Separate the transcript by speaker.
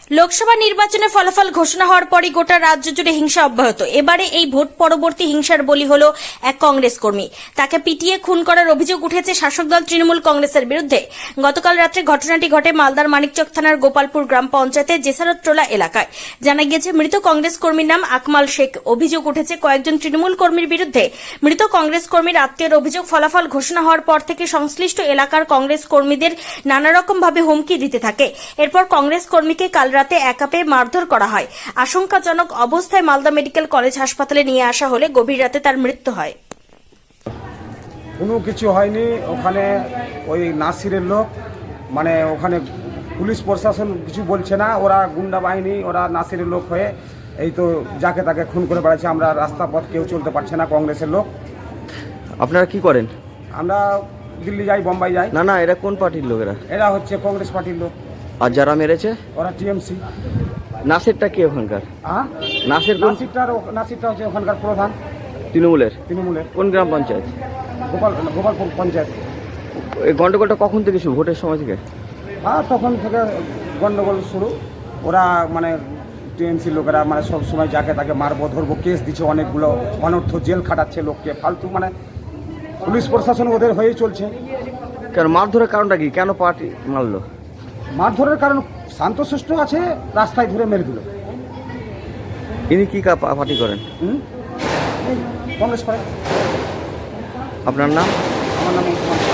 Speaker 1: লোকসভা নির্বাচনে ফলাফল ঘোষণা হওয়ার পরই গোটা রাজ্য জুড়ে হিংসা অব্যাহত। এবারে এই ভোট পরবর্তী হিংসার বলি হল এক কংগ্রেস কর্মী। তাকে পিটিয়ে খুন করার অভিযোগ উঠেছে শাসক দল তৃণমূল কংগ্রেসের বিরুদ্ধে। গতকাল রাত্রে ঘটনাটি ঘটে মালদার মানিকচক থানার গোপালপুর গ্রাম পঞ্চায়েতের জেসারতটোলা এলাকায়। জানা গিয়েছে মৃত কংগ্রেস কর্মীর নাম আকমাল শেখ। অভিযোগ উঠেছে কয়েকজন তৃণমূল কর্মীর বিরুদ্ধে। মৃত কংগ্রেস কর্মীর আত্মীয়ের অভিযোগ, ফলাফল ঘোষণা হওয়ার পর থেকে সংশ্লিষ্ট এলাকার কংগ্রেস কর্মীদের নানা রকম ভাবে হুমকি দিতে থাকে। এরপর কংগ্রেস কর্মীকে কাল রাতে একা পেয়ে মারধর করা হয়। আশঙ্কাজনক অবস্থায় মালদা মেডিকেল কলেজ হাসপাতালে নিয়ে আসা হলে গভীর রাতে তার মৃত্যু হয়।
Speaker 2: কোনো কিছু হয়নি ওখানে। ওই নাসিরের লোক, মানে ওখানে পুলিশ প্রশাসন কিছু বলছে না, ওরা গুন্ডা বাহিনী, ওরা নাসিরের লোক হয়ে এই তো যাকে তাকে খুন করে বেড়াচ্ছে। আমরা রাস্তা পথ কেউ চলতে পারছে না, কংগ্রেসের লোক।
Speaker 3: আপনারা কি করেন?
Speaker 2: আমরা দিল্লি যাই, বোম্বাই যাই।
Speaker 3: না, এরা কোন পার্টির লোকেরা?
Speaker 2: এরা হচ্ছে কংগ্রেস পার্টির লোক।
Speaker 3: আর যারা মেরেছে
Speaker 2: ওরা টিএমসি।
Speaker 3: নাসিরটা কি ওখানকার?
Speaker 2: হ্যাঁ, নাসিরটা হচ্ছে ওখানকার প্রধান
Speaker 3: তৃণমূলের।
Speaker 2: তৃণমূলের
Speaker 3: কোন গ্রাম পঞ্চায়েত?
Speaker 2: গোপালপুর পঞ্চায়েত।
Speaker 3: এই গন্ডগোলটা কখন থেকে শুরু? ভোটের সময় থেকে?
Speaker 2: হ্যাঁ, তখন থেকে গন্ডগোল শুরু। ওরা মানে টিএমসি লোকেরা মানে সব সময় যাকে তাকে মারবো ধরবো কেস দিচ্ছে, অনেকগুলো অনর্থ জেল খাটাচ্ছে লোককে ফালতু। মানে পুলিশ প্রশাসন ওদের হয়েই চলছে।
Speaker 3: কেন মারধরের কারণটা কি? কেন পার্টি মারলো?
Speaker 2: মারধরের কারণ শান্তশিষ্ট আছে, রাস্তায় ধরে মেরে দিল।
Speaker 3: ইনি কি পার্টি করেন?
Speaker 2: কংগ্রেস করে।
Speaker 3: আপনার নাম?
Speaker 2: আমার নাম ওসমান।